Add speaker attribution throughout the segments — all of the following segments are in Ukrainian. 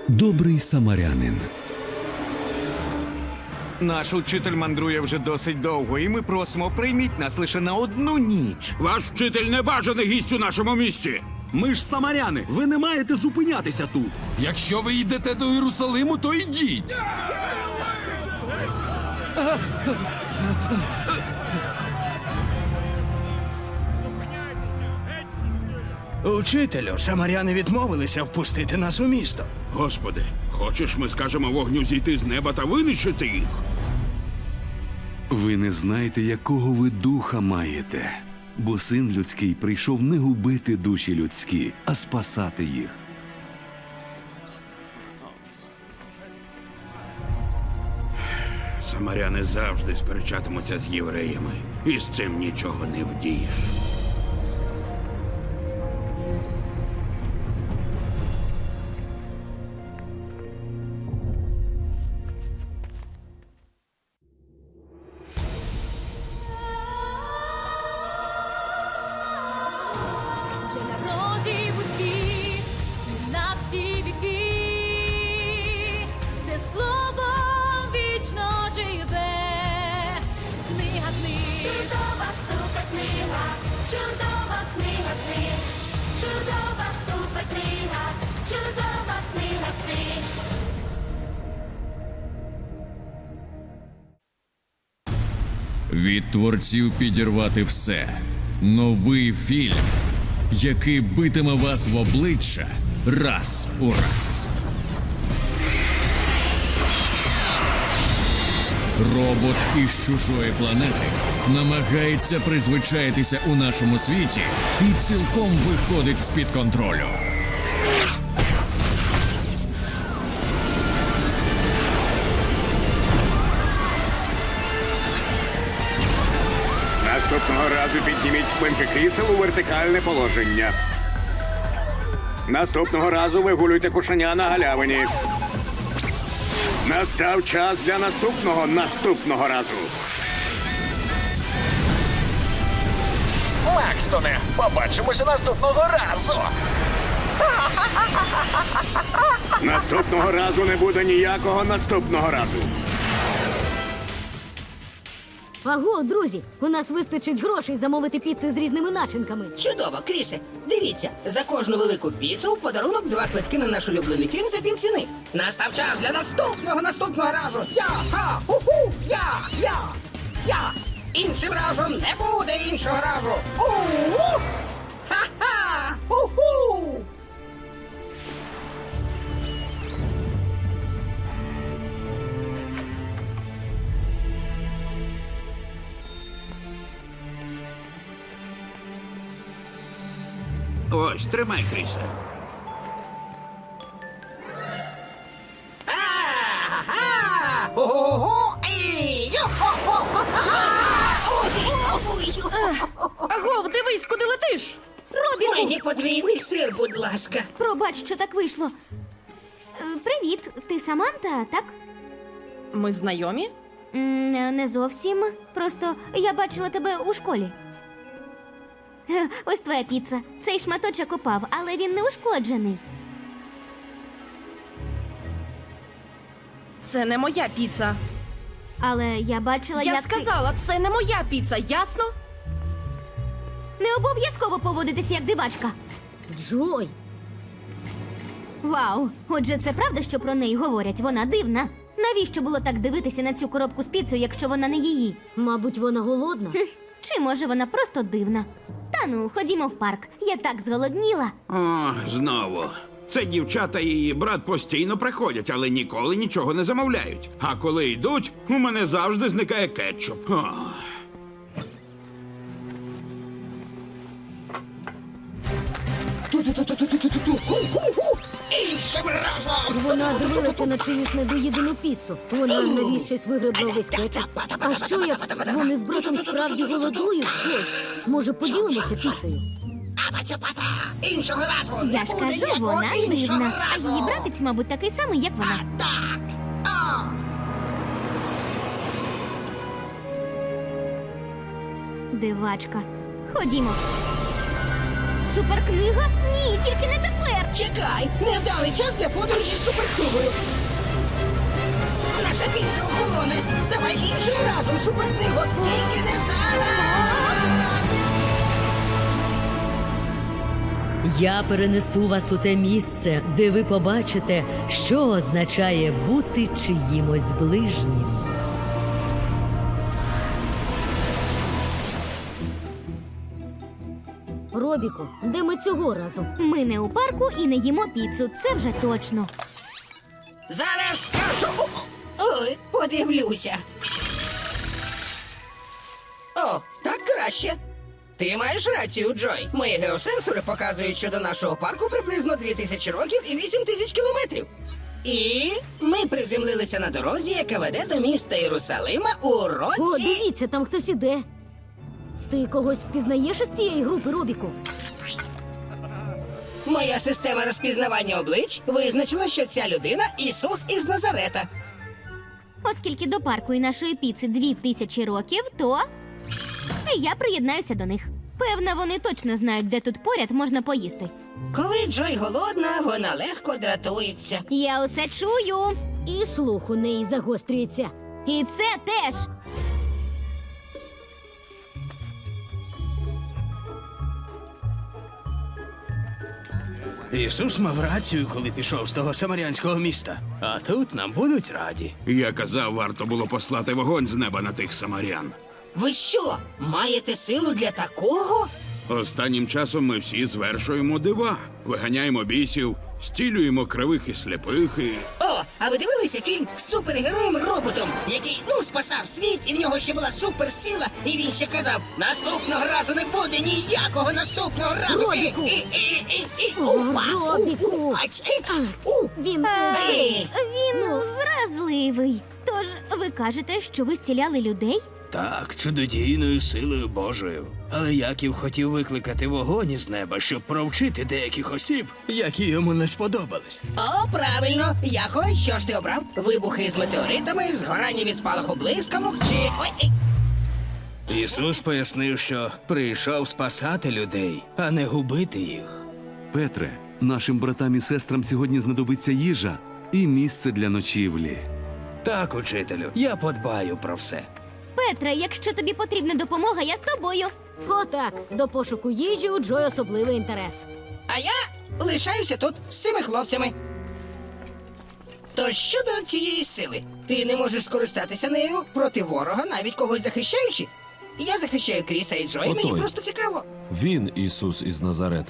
Speaker 1: Добрий самарянин.
Speaker 2: Наш учитель мандрує вже досить довго, і ми просимо, прийміть нас лише на одну ніч.
Speaker 3: Ваш вчитель небажаний гість у нашому місті.
Speaker 4: Ми ж самаряни, ви не маєте зупинятися тут.
Speaker 5: Якщо ви йдете до Єрусалиму, то йдіть.
Speaker 2: Учителю, самаряни відмовилися впустити нас у місто.
Speaker 3: Господи, хочеш, ми скажемо вогню зійти з неба та винищити їх?
Speaker 1: Ви не знаєте, якого ви духа маєте, бо Син Людський прийшов не губити душі людські, а спасати їх.
Speaker 3: Самаряни завжди сперечатимуться з євреями, і з цим нічого не вдієш.
Speaker 6: Для народів усіх, на всі віки, це слово вічно живе. Книга книг. Чудова суперкнига, чудова книга книг. Чудова суперкнига, чудова книга книг.
Speaker 7: Від творців підірвати все. Новий фільм, який битиме вас в обличчя раз у раз. Робот із чужої планети намагається призвичаїтися у нашому світі і цілком виходить з-під контролю.
Speaker 8: Наступного разу підніміть спинки крісел у вертикальне положення. Наступного разу вигулюйте кошеня на галявині. Настав час для наступного разу.
Speaker 9: Макстоне, побачимося наступного разу.
Speaker 8: Наступного разу не буде ніякого наступного разу.
Speaker 6: Аго, друзі, у нас вистачить грошей замовити піци з різними начинками.
Speaker 10: Чудово, Крісе. Дивіться, за кожну велику піцу в подарунок 2 квитки на наш улюблений фільм за півціни. Настав час для наступного разу. Я-ха! Ху-ху! Я! Іншим разом не буде іншого разу. У-у! Ха-ха! Ху-ху!
Speaker 3: Ось, тримай, Крісе.
Speaker 10: А-ха! Ого! І!
Speaker 6: Агов, дивись, куди летиш! Робіку!
Speaker 10: Мені подвійний сир, будь ласка.
Speaker 6: Пробач, що так вийшло. Привіт, ти Саманта, так?
Speaker 11: Ми знайомі?
Speaker 6: Не зовсім. Просто я бачила тебе у школі. Ось твоя піца. Цей шматочок упав, але він не ушкоджений.
Speaker 11: Це не моя піца.
Speaker 6: Але я бачила,
Speaker 11: Я
Speaker 6: як
Speaker 11: сказала, це не моя піца, ясно?
Speaker 6: Не обов'язково поводитися як дивачка. Джой. Вау, отже, це правда, що про неї говорять? Вона дивна. Навіщо було так дивитися на цю коробку з піцею, якщо вона не її? Мабуть, вона голодна. Чи може вона просто дивна? Та ну, ходімо в парк. Я так зголодніла.
Speaker 3: О, знову. Це дівчата і її брат постійно приходять, але ніколи нічого не замовляють. А коли йдуть, у мене завжди зникає кетчуп. О.
Speaker 10: Іншим разом!
Speaker 6: Вона дивилася на чиюсь недоїдену піцу. Вона навіщось вигребла весь кетчуп. А що як вони з братом справді голодують? Щось? Може, поділимося піцею?
Speaker 10: Іншого разу!
Speaker 6: Я
Speaker 10: не
Speaker 6: ж
Speaker 10: буде
Speaker 6: кажу,
Speaker 10: ніякого
Speaker 6: вона
Speaker 10: іншого
Speaker 6: дивна. А
Speaker 10: разу!
Speaker 6: її братець, мабуть, такий самий, як вона.
Speaker 10: Так! А!
Speaker 6: Дивачка. Ходімо. Суперкнига? Ні, тільки не тепер.
Speaker 10: Чекай, невдалий час для подорожі з суперкнигою. Наша піца охолоне. Давай іншим разом суперкнигу, тільки не зараз.
Speaker 12: Я перенесу вас у те місце, де ви побачите, що означає бути чиїмось ближнім.
Speaker 6: Робіку, де ми цього разу? Ми не у парку і не їмо піцу, це вже точно.
Speaker 10: Зараз скажу. Ой, подивлюся. О, так краще. Ти маєш рацію, Джой. Мої геосенсори показують, що до нашого парку приблизно 2000 років і 8000 кілометрів. І ми приземлилися на дорозі, яка веде до міста Єрусалима у році...
Speaker 6: О, дивіться, там хтось іде. Ти когось впізнаєш із цієї групи, Робіку?
Speaker 10: Моя система розпізнавання облич визначила, що ця людина – Ісус із Назарета.
Speaker 6: Оскільки до парку і нашої піци 2000 років, то і я приєднаюся до них. Певно, вони точно знають, де тут поряд можна поїсти.
Speaker 10: Коли Джой голодна, вона легко дратується.
Speaker 6: Я усе чую. І слух у неї загострюється. І це теж.
Speaker 9: Ісус мав рацію, коли пішов з того самарянського міста. А тут нам будуть раді.
Speaker 3: Я казав, варто було послати вогонь з неба на тих самарян.
Speaker 10: Ви що, маєте силу для такого?
Speaker 3: Останнім часом ми всі звершуємо дива. Виганяємо бісів, стілюємо кривих і сліпих і...
Speaker 10: О, а ви дивилися фільм з супергероєм-роботом, який, спасав світ, і в нього ще була суперсила, і він ще казав, наступного разу не буде ніякого наступного разу.
Speaker 6: Робіку! Робіку! Він вразливий. Тож ви кажете, що ви зціляли людей?
Speaker 9: Так, чудодійною силою Божою. Але Яків хотів викликати вогонь із неба, щоб провчити деяких осіб, які йому не сподобались.
Speaker 10: О, правильно. Якове, що ж ти обрав? Вибухи з метеоритами, згорання від спалаху блискавок чи... Ой.
Speaker 9: Ісус пояснив, що прийшов спасати людей, а не губити їх.
Speaker 1: Петре, нашим братам і сестрам сьогодні знадобиться їжа і місце для ночівлі.
Speaker 9: Так, учителю, я подбаю про все.
Speaker 6: Петре, якщо тобі потрібна допомога, я з тобою. Отак, до пошуку їжі у Джой особливий інтерес.
Speaker 10: А я лишаюся тут з цими хлопцями. То щодо цієї сили, ти не можеш скористатися нею проти ворога, навіть когось захищаючи? Я захищаю Кріса і Джой, мені просто цікаво.
Speaker 5: Він Ісус із Назарета.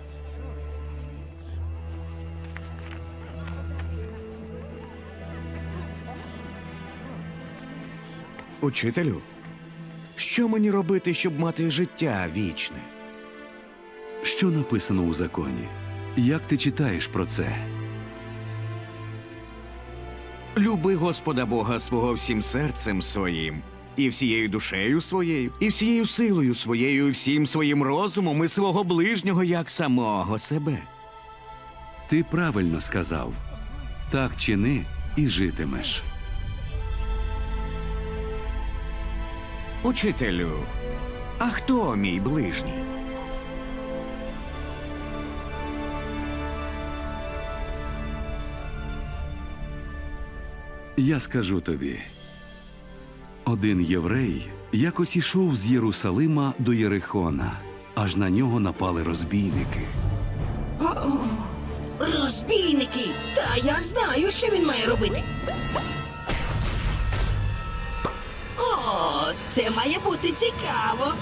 Speaker 2: Учителю, що мені робити, щоб мати життя вічне?
Speaker 1: Що написано у законі? Як ти читаєш про це?
Speaker 2: Люби Господа Бога свого всім серцем своїм, і всією душею своєю, і всією силою своєю, і всім своїм розумом, і свого ближнього, як самого себе.
Speaker 1: Ти правильно сказав. Так чини і житимеш.
Speaker 2: Учителю, а хто мій ближній?
Speaker 1: Я скажу тобі. Один єврей якось ішов з Єрусалима до Єрихона, аж на нього напали розбійники.
Speaker 10: Розбійники! Та я знаю, що він має робити. О, це має бути цікаво.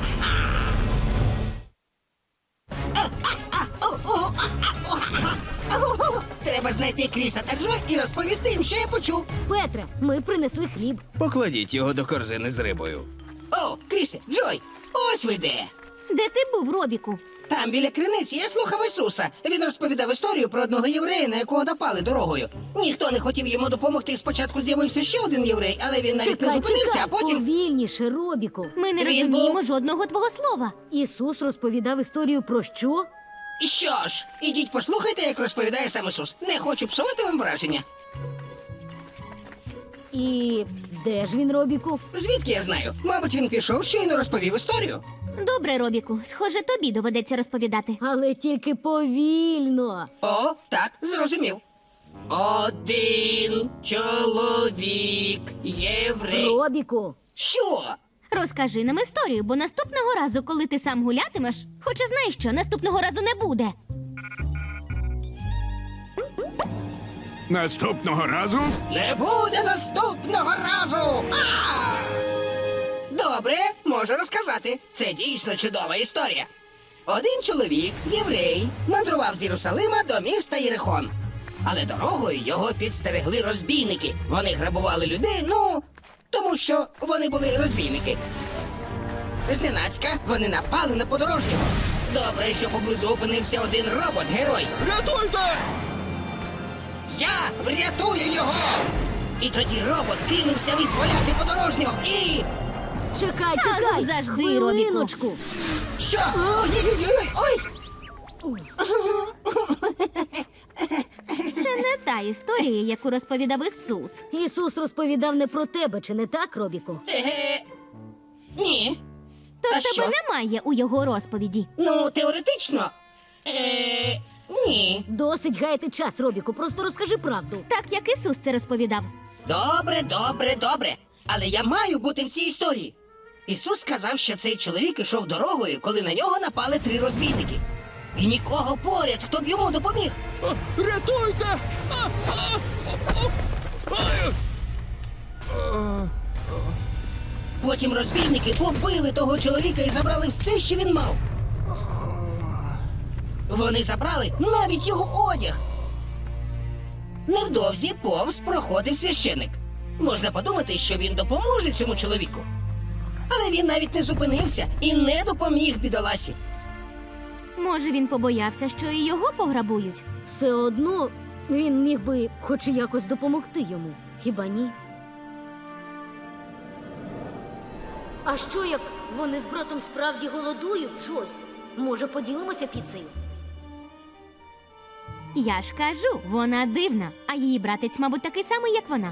Speaker 10: Треба знайти Кріса та Джо і розповісти їм, що я почув.
Speaker 6: Петре, ми принесли хліб.
Speaker 9: Покладіть його до корзини з рибою.
Speaker 10: О, Крісе, Джой, ось ви де.
Speaker 6: Де ти був, Робіку?
Speaker 10: Там біля криниці я слухав Ісуса. Він розповідав історію про одного єврея, на якого напали дорогою. Ніхто не хотів йому допомогти. Спочатку з'явився ще один єврей, але він навіть не зупинився, а потім...
Speaker 6: повільніше, Робіку. Ми не
Speaker 10: Він
Speaker 6: розуміємо
Speaker 10: був-
Speaker 6: жодного твого слова. Ісус розповідав історію про що?
Speaker 10: Що ж, ідіть послухайте, як розповідає сам Ісус. Не хочу псувати вам враження.
Speaker 6: І де ж він, Робіку?
Speaker 10: Звідки я знаю? Мабуть, він пішов, щойно розповів історію.
Speaker 6: Добре, Робіку, схоже, тобі доведеться розповідати.
Speaker 12: Але тільки повільно.
Speaker 10: О, так, зрозумів. Один чоловік єврей.
Speaker 12: Робіку.
Speaker 10: Що?
Speaker 6: Розкажи нам історію, бо наступного разу, коли ти сам гулятимеш, хоча знаєш що, наступного разу не буде.
Speaker 8: Наступного разу
Speaker 10: Не буде наступного разу! Добре, можу розказати. Це дійсно чудова історія. Один чоловік, єврей, мандрував з Єрусалима до міста Єрихон. Але дорогою його підстерегли розбійники. Вони грабували людей, тому що вони були розбійники. Зненацька вони напали на подорожнього. Добре, що поблизу опинився один робот-герой.
Speaker 2: Рятуйте!
Speaker 10: Я врятую його! І тоді робот кинувся визволяти подорожнього і...
Speaker 12: Чекай,
Speaker 6: ну, завжди,
Speaker 12: хвилиночку.
Speaker 10: Що? Ой!
Speaker 6: Це не та історія, яку розповідав Ісус.
Speaker 12: Ісус розповідав не про тебе, чи не так, Робіку?
Speaker 10: Ні.
Speaker 6: Тож
Speaker 10: А
Speaker 6: тебе
Speaker 10: що?
Speaker 6: немає у його розповіді.
Speaker 10: Ну, теоретично. Ні.
Speaker 12: Досить гаяти час, Робіку, просто розкажи правду.
Speaker 6: Так, як Ісус це розповідав.
Speaker 10: Добре. Але я маю бути в цій історії. Ісус сказав, що цей чоловік ішов дорогою, коли на нього напали 3 розбійники. І нікого поряд, хто б йому допоміг.
Speaker 2: Рятуйте!
Speaker 10: Потім розбійники побили того чоловіка і забрали все, що він мав. Вони забрали навіть його одяг. Невдовзі повз проходив священик. Можна подумати, що він допоможе цьому чоловіку. Але він навіть не зупинився і не допоміг бідоласі.
Speaker 6: Може, він побоявся, що і його пограбують?
Speaker 12: Все одно він міг би хоч якось допомогти йому. Хіба ні? А що, як вони з братом справді голодують, Джой? Може, поділимося піцею?
Speaker 6: Я ж кажу, вона дивна, а її братець, мабуть, такий самий, як вона.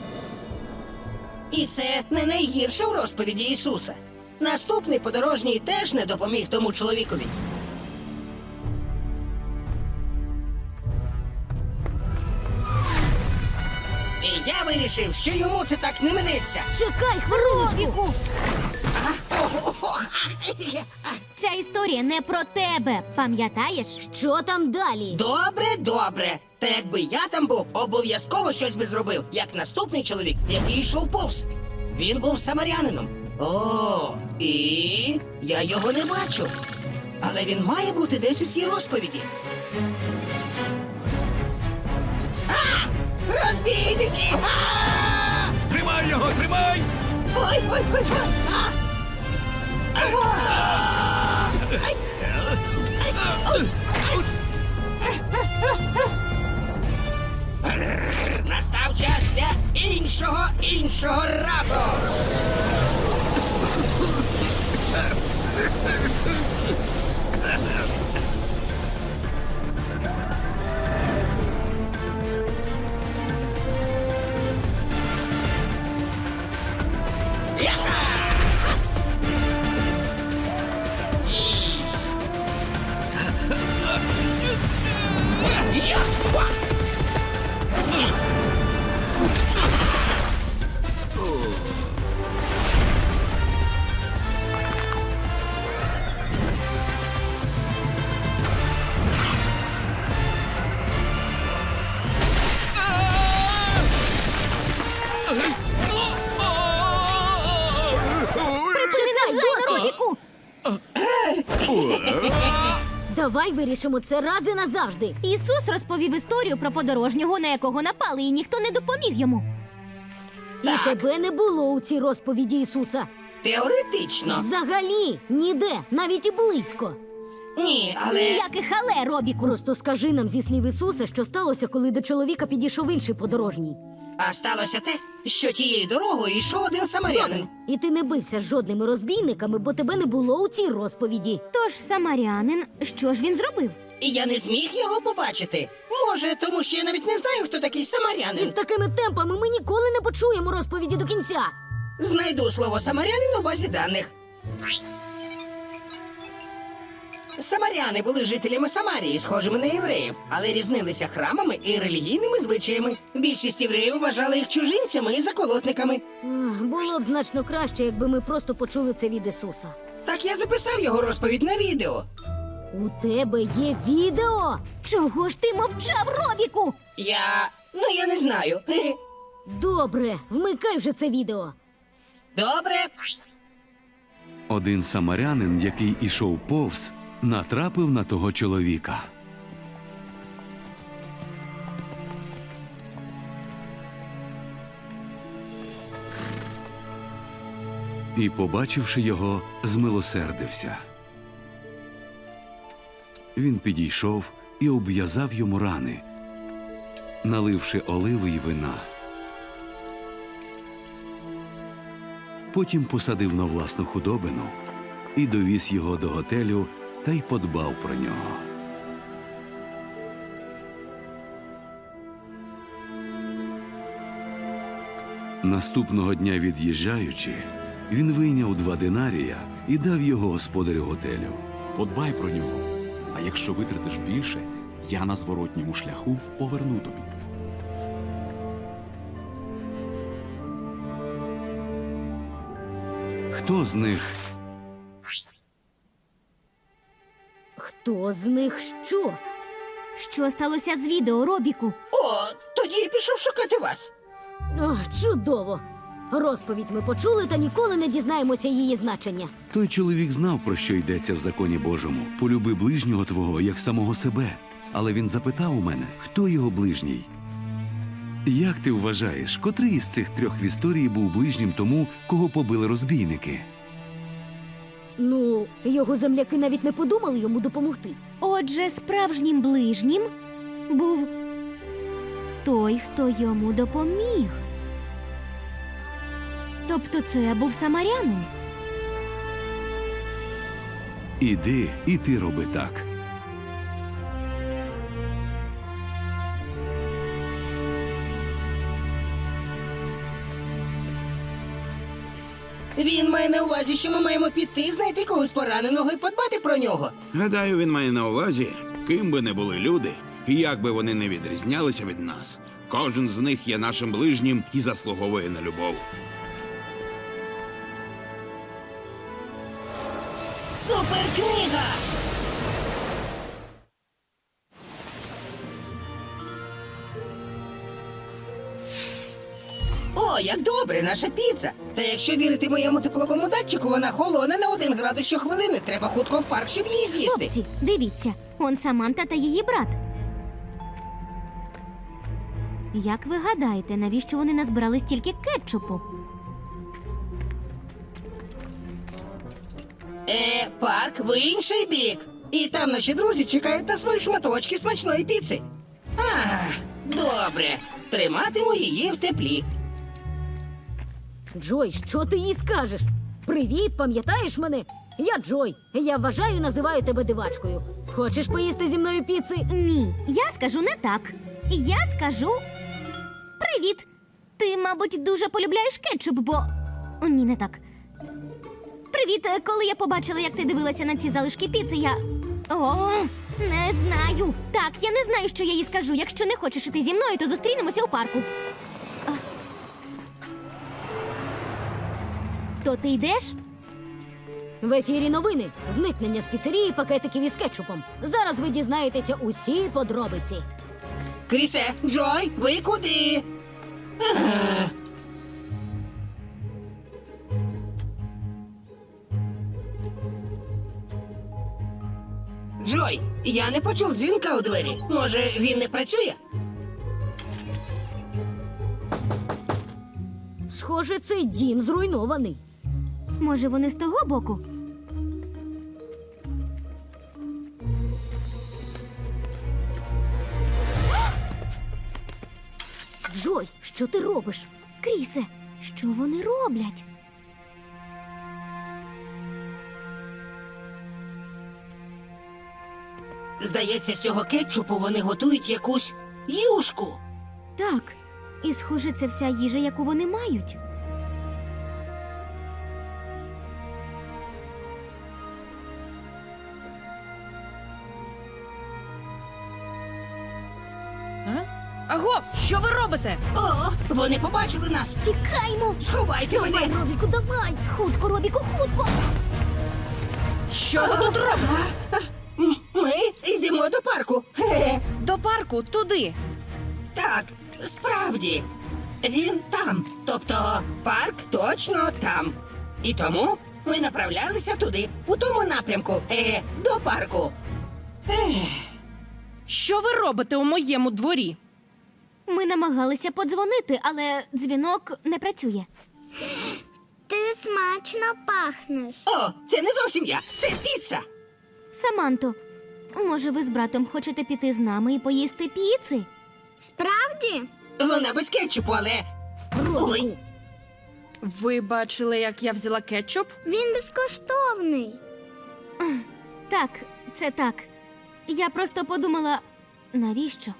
Speaker 10: І це не найгірше в розповіді Ісуса. Наступний подорожній теж не допоміг тому чоловікові. І я вирішив, що йому це так не минеться.
Speaker 12: Чекай, хвилиночку!
Speaker 6: Робіку! Ця історія не про тебе, пам'ятаєш?
Speaker 12: Що там далі?
Speaker 10: Добре. Та якби я там був, обов'язково щось би зробив, як наступний чоловік, який йшов повз. Він був самарянином. І я його не бачу. Але він має бути десь у цій розповіді. Розбійники!
Speaker 2: Тримай його, тримай!
Speaker 10: Ой! Настав час для іншого разу!
Speaker 6: Робіку!
Speaker 12: Давай вирішимо це раз і назавжди.
Speaker 6: Ісус розповів історію про подорожнього, на якого напали, і ніхто не допоміг йому.
Speaker 12: І тебе не було у цій розповіді Ісуса.
Speaker 10: Теоретично.
Speaker 12: Взагалі, ніде, навіть і близько.
Speaker 10: Ні, але...
Speaker 6: Ніяких але, Робіку.
Speaker 12: Просто скажи нам зі слів Ісуса, що сталося, коли до чоловіка підійшов інший подорожній.
Speaker 10: А сталося те, що тією дорогою йшов один самарянин.
Speaker 12: І ти не бився з жодними розбійниками, бо тебе не було у цій розповіді.
Speaker 6: Тож самарянин, що ж він зробив?
Speaker 10: І я не зміг його побачити. Може, тому що я навіть не знаю, хто такий
Speaker 12: І з
Speaker 10: самарянин.
Speaker 12: такими темпами ми ніколи не почуємо розповіді до кінця.
Speaker 10: Знайду слово самарянин у базі даних. Самаряни були жителями Самарії, схожими на євреїв, але різнилися храмами і релігійними звичаями. Більшість євреїв вважали їх чужинцями і заколотниками.
Speaker 13: Було б значно краще, якби ми просто почули це від Ісуса.
Speaker 10: Так я записав його розповідь на відео.
Speaker 13: У тебе є відео?
Speaker 6: Чого ж ти мовчав, Робіку?
Speaker 10: Я не знаю.
Speaker 13: Добре, вмикай вже це відео.
Speaker 10: Добре.
Speaker 1: Один самарянин, який ішов повз, натрапив на того чоловіка. І, побачивши його, змилосердився. Він підійшов і обв'язав йому рани, наливши оливи й вина. Потім посадив на власну худобину і довіз його до готелю та й подбав про нього. Наступного дня від'їжджаючи, він вийняв 2 динарія і дав його господарю готелю.
Speaker 4: Подбай про нього. А якщо витратиш більше, я на зворотньому шляху поверну тобі.
Speaker 1: Хто з них?
Speaker 13: Хто з них що?
Speaker 6: Що сталося з відео, Робіку?
Speaker 10: О, тоді я пішов шукати вас.
Speaker 13: О, чудово! Розповідь ми почули та ніколи не дізнаємося її значення.
Speaker 1: Той чоловік знав, про що йдеться в законі Божому. Полюби ближнього твого, як самого себе. Але він запитав у мене, хто його ближній. Як ти вважаєш, котрий із цих 3 в історії був ближнім тому, кого побили розбійники?
Speaker 13: Ну, його земляки навіть не подумали йому допомогти.
Speaker 6: Отже, справжнім ближнім був той, хто йому допоміг. Тобто це був самарянин.
Speaker 1: Іди, і ти роби так.
Speaker 10: Він має на увазі, що ми маємо піти, знайти когось пораненого і подбати про нього.
Speaker 3: Гадаю, він має на увазі, ким би не були люди, і як би вони не відрізнялися від нас. Кожен з них є нашим ближнім і заслуговує на любов.
Speaker 10: Суперкнига! О, як добре, наша піца! Та якщо вірити моєму тепловому датчику, вона холоне на 1 градус щохвилини. Треба хутко в парк, щоб її з'їсти.
Speaker 6: Хлопці, дивіться, он Саманта та її брат. Як ви гадаєте, навіщо вони назбирали стільки кетчупу?
Speaker 10: Парк в інший бік. І там наші друзі чекають на свої шматочки смачної піци. Добре. Триматиму її в теплі.
Speaker 13: Джой, що ти їй скажеш? Привіт, пам'ятаєш мене? Я Джой. Я вважаю, називаю тебе дивачкою. Хочеш поїсти зі мною піци?
Speaker 6: Ні, я скажу не так. Я скажу привіт. Ти, мабуть, дуже полюбляєш кетчуп, бо... Ні, не так. Привіт, коли я побачила, як ти дивилася на ці залишки піци, я... О, не знаю. Так, я не знаю, що я їй скажу. Якщо не хочеш іти зі мною, то зустрінемося у парку. То ти йдеш?
Speaker 13: В ефірі новини. Зникнення з піцерії пакетиків із кетчупом. Зараз ви дізнаєтеся усі подробиці.
Speaker 10: Крісе, Джой, ви куди? Джой, я не почув дзвінка у двері. Може, він не працює?
Speaker 13: Схоже, цей дім зруйнований.
Speaker 6: Може, вони з того боку?
Speaker 13: Джой, що ти робиш?
Speaker 6: Крісе, що вони роблять?
Speaker 10: Здається, з цього кетчупу вони готують якусь юшку.
Speaker 6: Так. І, схоже, це вся їжа, яку вони мають.
Speaker 11: Аго, що ви робите?
Speaker 10: О, вони побачили нас.
Speaker 6: Тікаймо!
Speaker 10: Сховайте
Speaker 13: Давай,
Speaker 10: мене.
Speaker 13: Робіку, давай!
Speaker 6: Хутко, Робіку, хутко!
Speaker 11: Що ви тут робите?
Speaker 10: Ми йдемо до парку. Хе-хе.
Speaker 11: До парку, туди.
Speaker 10: Так, справді. Він там. Тобто парк точно там. І тому ми направлялися туди, у тому напрямку. До парку.
Speaker 11: Що ви робите у моєму дворі?
Speaker 6: Ми намагалися подзвонити, але дзвінок не працює.
Speaker 14: Ти смачно пахнеш.
Speaker 10: О, це не зовсім я, це піца.
Speaker 6: Саманто, може, ви з братом хочете піти з нами і поїсти піци?
Speaker 14: Справді?
Speaker 10: Вона без кетчупу, але. Ой,
Speaker 11: Ви бачили, як я взяла кетчуп?
Speaker 14: Він безкоштовний.
Speaker 6: Так, це так. Я просто подумала, навіщо?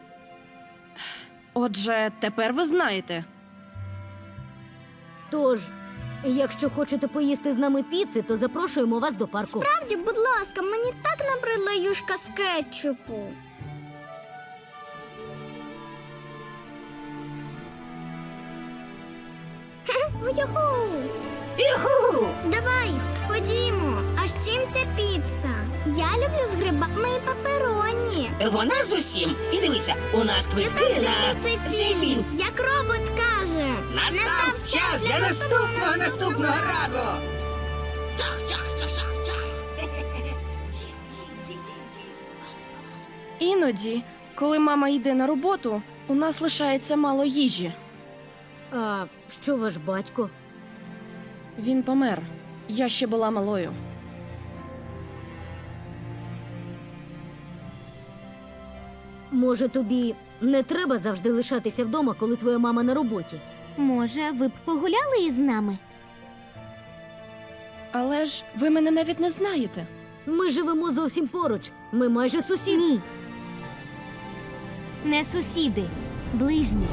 Speaker 11: Отже, тепер ви знаєте.
Speaker 13: Тож, якщо хочете поїсти з нами піци, то запрошуємо вас до парку.
Speaker 14: Справді, будь ласка, мені так набридла юшка з кетчупу. Юху!
Speaker 10: юху!
Speaker 14: Давай, ходімо. А з чим ця піца? Я люблю з грибами і папероні.
Speaker 10: Вона з усім. І дивися, у нас квитки на цей фільм.
Speaker 14: Як робот каже.
Speaker 10: Настав час для наступного разу.
Speaker 11: Іноді, коли мама йде на роботу, у нас лишається мало їжі.
Speaker 13: А що ваш батько?
Speaker 11: Він помер. Я ще була малою.
Speaker 13: Може, тобі не треба завжди лишатися вдома, коли твоя мама на роботі?
Speaker 6: Може, ви б погуляли із нами?
Speaker 11: Але ж ви мене навіть не знаєте.
Speaker 13: Ми живемо зовсім поруч. Ми майже сусіди.
Speaker 6: Ні. Не сусіди, ближні.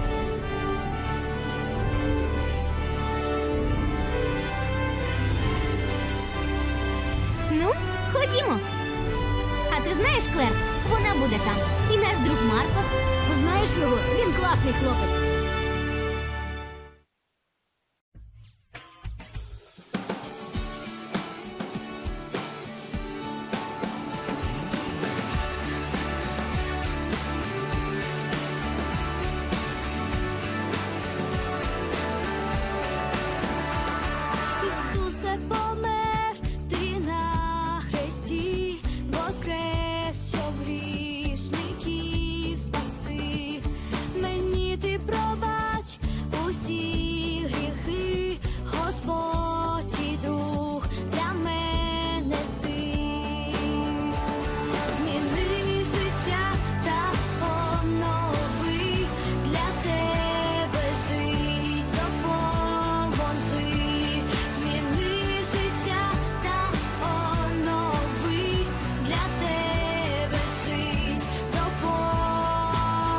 Speaker 6: Ну, ходімо. А ти знаєш, Клер, вона буде там. І наш друг Маркос.
Speaker 13: Знаєш його? Він класний хлопець.
Speaker 15: Ісусе помер, ти на хресті, воскрес, щоб грішників спасти. Мені ти пробач усі гріхи, Господь і друг для мене ти. Зміни життя та онови, для тебе жить допоможи. Зміни життя та онови, для тебе жить допоможи.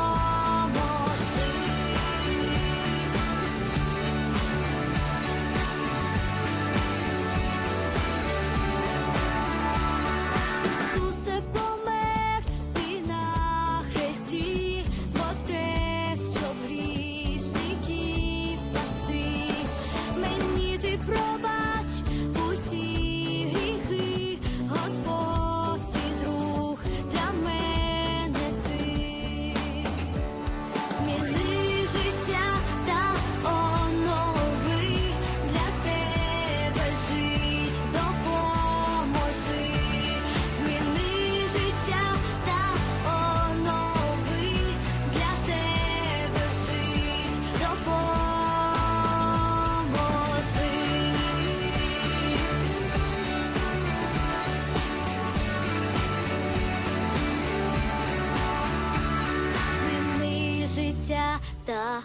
Speaker 15: Ісусе помер, ти на хресті, воскрес, щоб грішників спасти. Мені ти пробач усі гріхи, Господь і друг для мене ти. Зміни життя та онови, для тебе жить допоможи. Зміни життя та онови, для тебе жить допоможи. Зміни життя та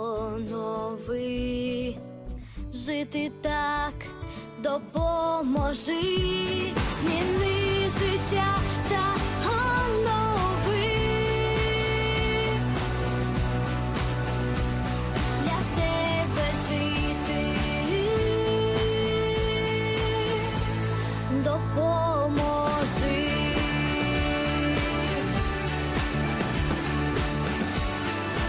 Speaker 15: онови, жити так допоможи. Зміни життя та онови, для тебе жити допоможи.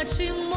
Speaker 15: чим